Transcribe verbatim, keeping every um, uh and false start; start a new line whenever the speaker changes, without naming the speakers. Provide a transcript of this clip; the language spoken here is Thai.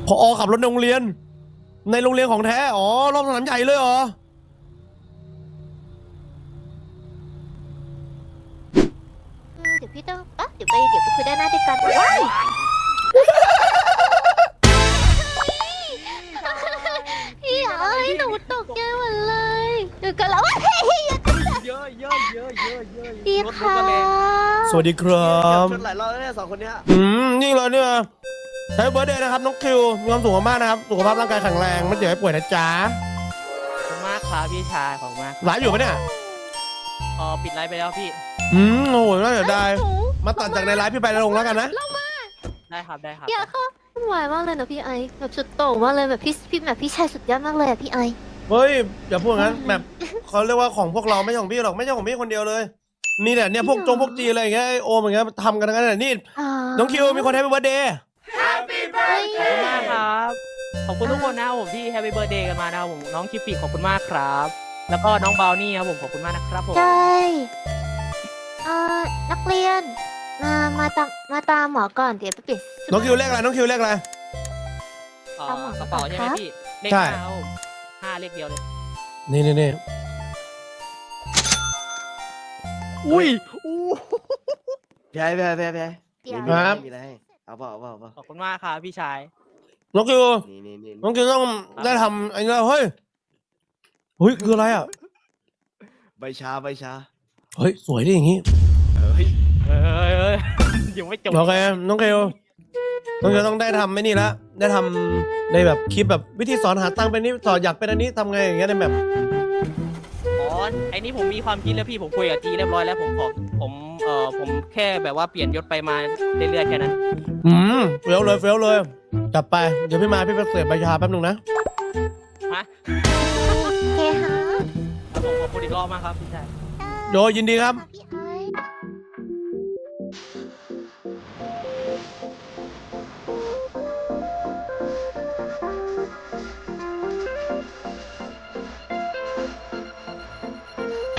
ผอขับรถในโรงเรียนในโรงเรียนของแท้อ๋อรอบสนามใหญ่เลยเหรอ
เดี๋ยวพี่ต้องอ่ะเดี๋ยวไปเดี๋ยวไปคุยด้านหน้าด้วยกันว้ายพี่เอ๋ยหนูตกใจหมดเลยเดี๋ยวกันแล้วว้าย
เยอะเยอะเยอะเยอะเยอะ
ดีค่ะ
สวัสดีครับ
ชนหลายรอบแล้วเนี่ยสองคนเนี้ย
อืมนี่เลยเนี่ยแฮปปี้เบิร์ธเดย์นะครับน้องคิวมีความสุขมากๆนะครับสุขภาพร่างกายแข็งแรงไม่เจ็บไม่ป่วยนะจ๊ะ
ขอบคุณมากครับพี่ชายขอบคุณมาก
ไลฟ์อยู่ปะเนี่ย
พอปิดไลฟ์ไปแล้วพี่
อืมโอ้โหน่าเสียดายมาตัดจากในไลฟ์พี่ไปลงแล้วกันนะ
ได้ครับได้ครับ
เดี๋ยวเขาหวายมากเลยนะพี่ไอแบบสุดโต่งมากเลยแบบพี่พี่แบบพี่ชายสุดยอดมากเลยอะพี่ไอ
เฮ้ยอย่าพูดงั้นแบบเขาเรียกว่าของพวกเราไม่ใช่ของพี่หรอกไม่ใช่ของพี่คนเดียวเลยมีแต่เนี่ยพวกจงพวกจีอะไรอย่างเงี้ยไอโอมอย่างเงี้ยทำกันทั้งนั้นเลยนี่น้องคิวมีคนแฮปปี้เบิร์ธเดย์
เฮ้ย
ขอบคุณมากครับขอบคุณทุกคนนะครับผมที่แฮปปี้เบิร์ดเดย์กันมานะครับผมน้องคิปปี้ขอบคุณมากครับ แล้วก็น้องบาวนี่ครับผมขอบคุณมากนะครับผม
ใช่เอ่อนักเรียนมามาตามมาตามหมอก่อนเดี๋ยวไปเปลี่ยนชุด
น้องคิวเลขอะไรน้องคิวเลขอะไร
เอ่อกระเป๋าใช่ไหมพี่เลข
ใช่
ห้าครับผมห้าเลขเดียวเลย
นี่นี่นี่
อุ้ยอู้แพ้แพ้แพ้แพ้
เดี๋ยว
มีอะไรให้เอาเปล่าเอาเปล่าเอาเปล่า
ขอบคุณมากครับพี่ชาย
น้องคิว
นี่นี่นี่
น้องคิวต้องได้ทำไอ้นี่เฮ้ยเฮ้ยคืออะไรอ่ะ
ใบชาใบชา
เฮ้ยสวยดิอย่างงี้
เฮ้ย
เอ้ยเอ้ยยังไม่จบ
โอเคน้องคิวน้องคิวต้องได้ทำไม่นี่ละได้ทำในแบบคลิปแบบวิธีสอนหาตังค์เป็นนี่สอนอยากเป็นอันนี้ทำไงอย่างเงี้ยในแบบ
อ๋อไอ้นี่ผมมีความคิดแล้วพี่ผมคุยกับจีเรียบร้อยแล้วผมขอผมเอ่อผมแค่แบบว่าเปลี่ยนยศไปมาเรื่อยๆแค่นั้น
อืมเฟี้ยวเลยเฟี้ยวเลยจับไปเดี๋ยวพี่มาพี่ไปเสียบใบชาแป๊บนึงนะ
ฮะ
โอเคฮะ
ครับผมขอบคุณอีกรอบมากครับพี่ชาย
โดยยินดีครับ
พี่ไอ